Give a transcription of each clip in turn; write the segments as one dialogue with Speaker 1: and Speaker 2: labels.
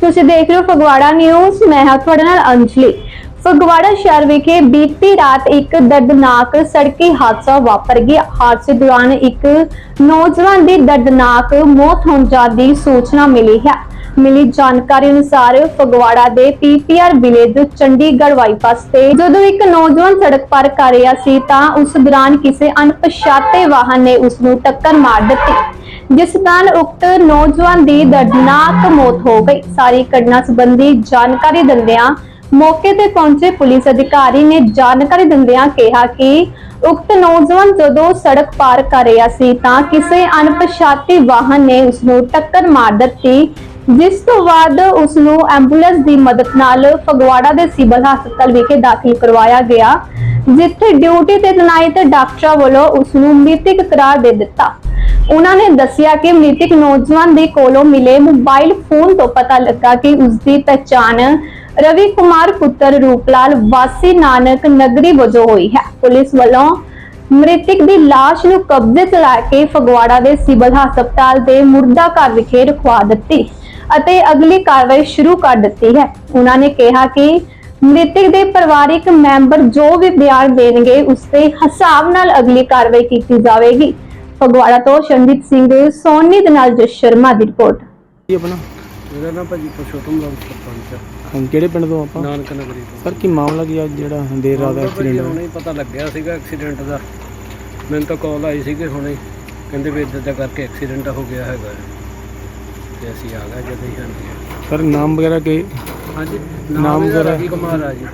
Speaker 1: ਤੁਸੀਂ ਦੇਖ ਰਹੇ ਹੋ ਫਗਵਾੜਾ ਨਿਊਜ਼। ਮੈਂ ਹਾਂ ਤੁਹਾਡੇ ਨਾਲ ਅੰਜਲੀ। ਫਗਵਾੜਾ ਸ਼ਹਿਰ ਵਿਖੇ ਬੀਤੀ ਰਾਤ ਇੱਕ ਦਰਦਨਾਕ ਸੜਕੀ ਹਾਦਸਾ ਵਾਪਰ ਗਿਆ। ਹਾਦਸੇ ਦੌਰਾਨ ਇੱਕ ਨੌਜਵਾਨ ਦੀ ਦਰਦਨਾਕ ਮੌਤ ਹੋਣ ਦੀ ਸੂਚਨਾ ਮਿਲੀ ਹੈ। ਮਿਲੀ ਜਾਣਕਾਰੀ ਅਨੁਸਾਰ ਫਗਵਾੜਾ ਦੇ ਪੀਪੀਆਰ ਵਿਲੇਜ ਚੰਡੀਗੜ੍ਹ ਬਾਈਪਾਸ ਤੇ ਜਦੋਂ ਇੱਕ ਨੌਜਵਾਨ ਸੜਕ ਪਾਰ ਕਰ ਰਿਹਾ ਸੀ ਤਾਂ ਉਸ ਦੌਰਾਨ ਕਿਸੇ ਅਣਪਛਾਤੇ ਵਾਹਨ ਨੇ ਉਸ ਨੂੰ ਟੱਕਰ ਮਾਰ ਦਿੱਤੀ, ਜਿਸ ਨਾਲ ਉਕਤ ਨੌਜਵਾਨ ਦੀ ਦਰਦਨਾਕ ਮੌਤ ਹੋ ਗਈ। ਸਾਰੀ ਘਟਨਾ ਸੰਬੰਧੀ ਜਾਣਕਾਰੀ ਦਿੰਦਿਆਂ ਮੌਕੇ ਤੇ ਪਹੁੰਚੇ ਪੁਲਿਸ ਅਧਿਕਾਰੀ ਨੇ ਜਾਣਕਾਰੀ ਦਿੰਦਿਆਂ ਕਿਹਾ ਕਿ ਉਕਤ ਨੌਜਵਾਨ ਜਦੋਂ ਸੜਕ ਪਾਰ ਕਰ ਰਿਹਾ ਸੀ ਤਾਂ ਕਿਸੇ ਅਣਪਛਾਤੇ ਵਾਹਨ ਨੇ ਉਸ ਨੂੰ ਟੱਕਰ ਮਾਰ ਦਿੱਤੀ, ਜਿਸ ਤੋਂ ਬਾਅਦ ਉਸ ਨੂੰ ਐਂਬੂਲੈਂਸ ਦੀ ਮਦਦ ਨਾਲ ਫਗਵਾੜਾ ਦੇ ਸਿਵਲ ਹਸਪਤਾਲ ਵਿਖੇ ਦਾਖਲ ਕਰਵਾਇਆ ਗਿਆ, ਜਿੱਥੇ ਡਿਊਟੀ ਤੇ ਤੈਨਾਤ ਡਾਕਟਰਾਂ ਵੱਲੋਂ ਉਸ ਨੂੰ ਮ੍ਰਿਤਕ ਕਰਾਰ ਦੇ ਦਿੱਤਾ। ਉਹਨਾਂ ਨੇ ਦੱਸਿਆ ਕਿ ਮ੍ਰਿਤਕ ਨੌਜਵਾਨ ਦੇ ਕੋਲੋਂ ਮਿਲੇ ਮੋਬਾਈਲ ਫੋਨ ਤੋਂ ਪਤਾ ਲੱਗਾ ਕਿ ਉਸ ਦੀ ਪਛਾਣ ਰਵੀ ਕੁਮਾਰ ਪੁੱਤਰ ਰੂਪਲਾਲ ਵਾਸੀ ਨਾਨਕ ਨਗਰੀ ਵਜੋਂ ਹੋਈ ਹੈ। ਪੁਲਿਸ ਵੱਲੋਂ ਮ੍ਰਿਤਕ ਦੀ ਲਾਸ਼ ਨੂੰ ਕਬਜ਼ੇ 'ਚ ਲੈ ਕੇ ਫਗਵਾੜਾ ਦੇ ਸਿਵਲ ਹਸਪਤਾਲ ਦੇ ਮੁਰਦਾ ਘਰ ਵਿਖੇ ਰਖਵਾ ਦਿੱਤੀ ਅਤੇ ਅਗਲੀ ਕਾਰਵਾਈ ਸ਼ੁਰੂ ਕਰ ਦਿੱਤੀ ਹੈ। ਉਹਨਾਂ ਨੇ ਕਿਹਾ ਕਿ ਮ੍ਰਿਤਕ ਦੇ ਪਰਿਵਾਰਕ ਮੈਂਬਰ ਜੋ ਵੀ ਬਿਆਨ ਦੇਣਗੇ ਉਸ ਦੇ ਹਿਸਾਬ ਨਾਲ ਅਗਲੀ ਕਾਰਵਾਈ ਕੀਤੀ ਜਾਵੇਗੀ। ਫਗਵਾੜਾ ਤੋਂ ਸ਼ੰਦੀਪ ਸਿੰਘ ਸੋਨੀ ਦੇ ਨਾਲ ਜਸ ਸ਼ਰਮਾ ਦੀ ਰਿਪੋਰਟ।
Speaker 2: ਕੀ ਆਪਣਾ
Speaker 3: ਮੇਰਾ ਨਾਮ ਭਾਜੀ ਪੁਰਸ਼ੋਤਮ ਰਾਮ ਸਰਪੰਚ ਹੈ।
Speaker 2: ਹਾਂ, ਕਿਹੜੇ ਪਿੰਡ ਤੋਂ ਆਪਾਂ?
Speaker 3: ਨਾਨਕ ਨਗਰੀ ਤੋਂ।
Speaker 2: ਸਰ ਕੀ ਮਾਮਲਾ ਕੀ ਅੱਜ ਜਿਹੜਾ ਦੇਰ ਰਾਤ ਐਕਸੀਡੈਂਟ ਹੋਇਆ?
Speaker 3: ਹੁਣੇ ਪਤਾ ਲੱਗਿਆ ਸੀਗਾ ਐਕਸੀਡੈਂਟ ਦਾ। ਮੈਨੂੰ ਤਾਂ ਕਾਲ ਆਈ ਸੀ ਕਿ ਹੁਣੇ ਕਹਿੰਦੇ ਵੀ ਇੱਦਾਂ ਦਾ ਕਰਕੇ ਐਕਸੀਡੈਂਟ ਹੋ ਗਿਆ ਹੈਗਾ ਤੇ ਅਸੀਂ ਆ ਗਏ ਜਦੋਂ ਹੀ। ਹਾਂਜੀ
Speaker 2: ਸਰ ਨਾਮ ਵਗੈਰਾ ਕੀ?
Speaker 3: ਹਾਂਜੀ
Speaker 2: ਨਾਮ
Speaker 3: ਇਹਦਾ
Speaker 2: ਵਗੈਰਾ?
Speaker 3: ਰਵੀ ਕੁਮਾਰ ਆ ਜੀ।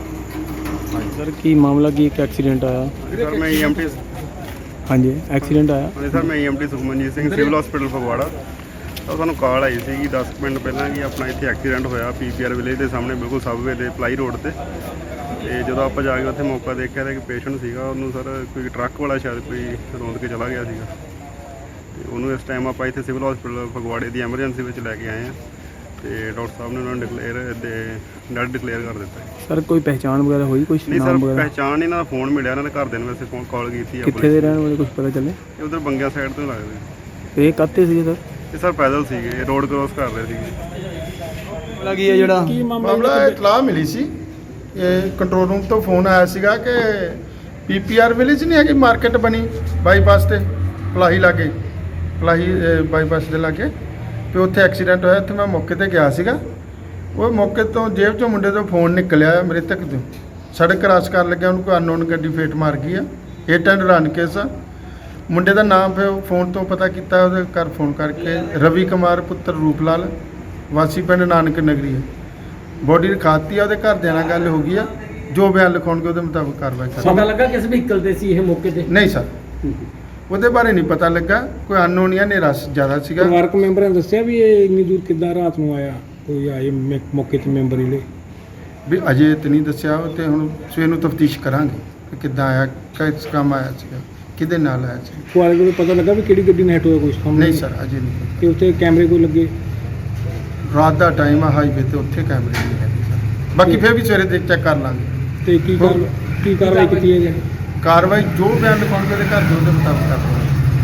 Speaker 2: ਸਰ ਕੀ ਮਾਮਲਾ ਕੀ ਇੱਕ ਐਕਸੀਡੈਂਟ ਆਇਆ?
Speaker 4: सर मैं ईएमटी
Speaker 2: ਹਾਂਜੀ ਐਕਸੀਡੈਂਟ ਆਇਆ।
Speaker 4: सर मैं EMT Sukhmanjit Singh civil hospital Phagwara. ਤਾਂ ਸਾਨੂੰ ਕਾਲ ਆਈ ਸੀ 10 ਮਿੰਟ ਪਹਿਲਾਂ ਕਿ ਆਪਣਾ ਇੱਥੇ ਐਕਸੀਡੈਂਟ ਹੋਇਆ ਪੀਪੀਆਰ ਵਿਲੇਜ ਦੇ ਸਾਹਮਣੇ, ਬਿਲਕੁਲ ਸਬਵੇ ਦੇ ਪਲਾਈ ਰੋਡ ਤੇ। ਤੇ ਜਦੋਂ ਆਪਾਂ ਜਾ ਕੇ ਉੱਥੇ ਮੌਕਾ ਦੇਖਿਆ ਤਾਂ ਇੱਕ ਪੇਸ਼ੈਂਟ ਸੀਗਾ, ਉਹਨੂੰ ਸਰ ਕੋਈ ਟਰੱਕ ਵਾਲਾ ਸ਼ਾਇਦ ਕੋਈ ਰੋਂਦ ਕੇ ਚਲਾ ਗਿਆ ਸੀਗਾ ਤੇ ਉਹਨੂੰ ਇਸ ਟਾਈਮ ਆਪਾਂ ਇੱਥੇ ਸਿਵਲ ਹਸਪੀਟਲ ਫਗਵਾੜੇ ਦੀ ਐਮਰਜੈਂਸੀ ਵਿੱਚ ਲੈ ਕੇ ਆਏ ਹਾਂ ਤੇ ਡਾਕਟਰ ਸਾਹਿਬ ਨੇ ਉਹਨਾਂ ਨੂੰ ਡੈਡ ਡਿਕਲੇਅਰ ਕਰ ਦਿੱਤਾ।
Speaker 2: ਸਰ ਕੋਈ ਪਹਿਚਾਣ ਵਗੈਰਾ ਹੋਈ? ਕੁਝ
Speaker 4: ਨਹੀਂ ਸਰ,
Speaker 2: ਨਾਮ ਵਗੈਰਾ?
Speaker 4: ਪਹਿਚਾਣ ਨਹੀਂ, ਇਹਨਾਂ ਦਾ ਫੋਨ ਮਿਲਿਆ, ਇਹਨਾਂ ਦੇ ਘਰਦਿਆਂ ਨੂੰ ਵੈਸੇ ਫੋਨ ਕਾਲ ਕੀਤੀ
Speaker 2: ਕਿੱਥੇ ਦੇ ਰਹਿਣ ਵਾਲੇ ਕੁਝ ਪਤਾ ਚੱਲੇ?
Speaker 4: ਇਹ ਉਧਰ ਬੰਗਿਆ ਸਾਈਡ ਤੋਂ ਲੱਗਦੇ।
Speaker 2: ਤੇ ਇਹ ਕੱਤੇ ਸੀ ਸਰ?
Speaker 4: ਇਹ ਸਰ ਪੈਦਲ ਸੀਗੇ, ਰੋਡ ਕ੍ਰੋਸ ਕਰ ਰਹੇ ਸੀਗੇ।
Speaker 2: ਮਾਮਲਾ ਕੀ ਹੈ ਜਿਹੜਾ?
Speaker 5: ਮਾਮਲਾ ਇਤਲਾਹ ਮਿਲੀ ਸੀ, ਇਹ ਕੰਟਰੋਲ ਰੂਮ ਤੋਂ ਫੋਨ ਆਇਆ ਸੀਗਾ ਕਿ ਪੀਪੀਆਰ ਵਿਲੇਜ ਨਹੀਂ ਹੈਗੀ ਮਾਰਕੀਟ ਬਣੀ ਬਾਈਪਾਸ ਤੇ ਪਲਾਹੀ ਲਾਗੇ, ਪਲਾਹੀ ਬਾਈਪਾਸ ਦੇ ਲਾਗੇ, ਤੇ ਉੱਥੇ ਐਕਸੀਡੈਂਟ ਹੋਇਆ। ਇੱਥੇ ਮੈਂ ਮੌਕੇ ਤੇ ਗਿਆ ਸੀਗਾ। ਉਹ ਮੌਕੇ ਤੋਂ ਜੇਬ ਚੋਂ ਮੁੰਡੇ ਤੋਂ ਫੋਨ ਨਿਕਲਿਆ ਮ੍ਰਿਤਕ ਤੋਂ। ਸੜਕ ਕ੍ਰਾਸ ਕਰਨ ਲੱਗਿਆ ਉਹਨੂੰ ਕੋਈ ਅਨਨੋਨ ਗੱਡੀ ਫੇਟ ਮਾਰ ਗਈ ਆ। ਹਿੱਟ ਐਂਡ ਰਨ ਕੇਸ ਆ। ਮੁੰਡੇ ਦਾ ਨਾਮ ਫਿਰ ਫੋਨ ਤੋਂ ਪਤਾ ਕੀਤਾ, ਉਹਦੇ ਘਰ ਫੋਨ ਕਰਕੇ ਰਵੀ ਕੁਮਾਰ ਪੁੱਤਰ ਰੂਪਲਾਲ ਵਾਸੀ ਪਿੰਡ ਨਾਨਕ ਨਗਰੀ ਹੈ। ਬੋਡੀ ਰਖਾਤੀ ਆ, ਉਹਦੇ ਘਰਦਿਆਂ ਨਾਲ ਗੱਲ ਹੋ ਗਈ ਆ। ਜੋ ਬਿਆਨ ਲਿਖਾਉਣਗੇ ਉਹਦੇ ਮੁਤਾਬਕ ਕਾਰਵਾਈ ਕਰਾਂਗੇ।
Speaker 3: ਪਤਾ ਲੱਗਾ ਕਿਸ ਵਹੀਕਲ ਤੇ ਸੀ ਇਹ ਮੌਕੇ ਤੇ?
Speaker 5: ਨਹੀਂ ਸਰ, ਉਹਦੇ ਬਾਰੇ ਨਹੀਂ ਪਤਾ ਲੱਗਾ। ਕੋਈ ਅਨਨੋਨ ਜਾਂ ਹਨੇਰਾ ਜ਼ਿਆਦਾ ਸੀਗਾ।
Speaker 6: ਪਰਿਵਾਰਕ ਮੈਂਬਰਾਂ ਨੇ ਦੱਸਿਆ ਵੀ ਇਹ ਇੰਨੀ ਦੂਰ ਕਿੱਦਾਂ ਰਾਤ ਨੂੰ ਆਇਆ? ਕੋਈ ਆਏ ਮੌਕੇ ਤੇ ਮੈਂਬਰ ਜਿਹੜੇ?
Speaker 5: ਵੀ ਅਜੇ ਤੇ ਨਹੀਂ ਦੱਸਿਆ, ਉਹ ਤੇ ਹੁਣ ਸਵੇਰ ਨੂੰ ਤਫਤੀਸ਼ ਕਰਾਂਗੇ ਕਿ ਕਿੱਦਾਂ ਆਇਆ, ਕਿਸ ਕੰਮ ਆਇਆ ਸੀਗਾ, ਕਿਹਦੇ ਨਾਲ ਆਇਆ ਸੀ।
Speaker 6: ਕੁਆਰੇ ਕੋਲ ਪਤਾ ਲੱਗਾ ਵੀ ਕਿਹੜੀ ਗੱਡੀ ਨਾਲ ਹਿੱਟ ਹੋਇਆ? ਕੁਝ ਕੰਮ
Speaker 5: ਨਹੀਂ ਸਰ, ਅਜੇ ਨਹੀਂ।
Speaker 6: ਤੇ ਉੱਥੇ ਕੈਮਰੇ ਕੋਈ ਲੱਗੇ?
Speaker 5: ਰਾਤ ਦਾ ਟਾਈਮ ਆ, ਹਾਈਵੇ ਤੇ ਉੱਥੇ ਕੈਮਰੇ ਨਹੀਂ ਹੈਗੇ ਸਰ। ਬਾਕੀ ਫਿਰ ਵੀ ਸਵੇਰੇ ਦੇਖ ਚੈੱਕ ਕਰ ਲਾਂਗੇ।
Speaker 6: ਤੇ ਕੀ ਕਾਰਵਾਈ ਕੀਤੀ ਹੈ ਜੀ?
Speaker 5: ਕਾਰਵਾਈ ਜੋ ਬਿਆਨ ਲਿਖਾਉਣਗੇ ਉਹਦੇ ਘਰ ਦੇ ਉਹਦੇ ਮੁਤਾਬਕ ਕਰ ਲਾਂਗੇ।